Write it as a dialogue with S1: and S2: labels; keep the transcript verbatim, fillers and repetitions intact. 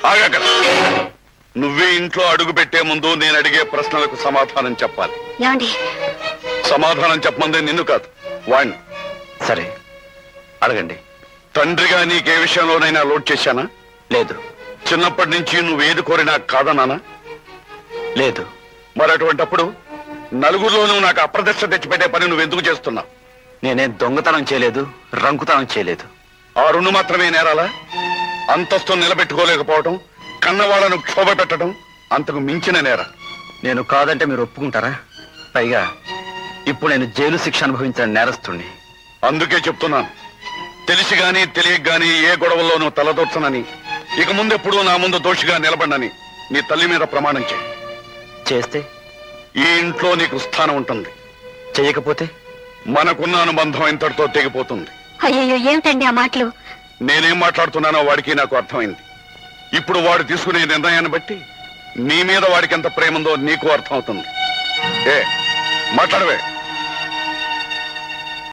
S1: ఆగక్కడ. నువ్వే ఇంట్లో అడుగు పెట్టే ముందు నేను అడిగే ప్రశ్నలకు సమాధానం చెప్పాలి.
S2: ఏమండి?
S1: సమాధానం చెప్పమంది నిన్ను కాదు, వాణ్ణి.
S3: సరే, అడగండి.
S1: తండ్రిగా నీకే విషయంలోనైనా లోడ్ చేశానా?
S3: లేదు.
S1: చిన్నప్పటి నుంచి నువ్వేది కోరినా కాదన్నానా?
S3: లేదు.
S1: మరి అటువంటప్పుడు నలుగురిలోనూ నాకు అప్రదర్శన తెచ్చిపెట్టే పని నువ్వెందుకు చేస్తున్నావు?
S3: నేనేం దొంగతనం చేయలేదు, రంకుతనం చేయలేదు.
S1: ఆ రెండు మాత్రమే నేరాలా? అంతస్తు నిలబెట్టుకోలేకపోవటం, కన్నవాళ్లను క్షోభ పెట్టడం అంతకు మించిన నేర.
S3: నేను కాదంటే మీరు ఒప్పుకుంటారా? పైగా ఇప్పుడు నేను జైలు శిక్ష అనుభవించిన నేరస్తుణ్ణి.
S1: అందుకే చెప్తున్నాను, తెలిసి గాని తెలియక గాని ఏ గొడవల్లోనూ తలదొచ్చనని, ఇక ముందెప్పుడు నా ముందు దోషిగా నిలబడనని నీ తల్లి మీద ప్రమాణం చేయి.
S3: చేస్తే
S1: ఈ ఇంట్లో నీకు స్థానం ఉంటుంది.
S3: చెయ్యకపోతే
S1: మనకున్న అనుబంధం ఇంతటితో తెగిపోతుంది.
S2: అయ్యో, ఏమిటండి ఆ మాటలు?
S1: నేనేం మాట్లాడుతున్నానో వాడికి నాకు అర్థమైంది. ఇప్పుడు వాడు తీసుకునే నిర్ణయాన్ని బట్టి నీ మీద వాడికి ఎంత ప్రేమ ఉందో నీకు అర్థమవుతుంది. ఏ మాట్లాడవే?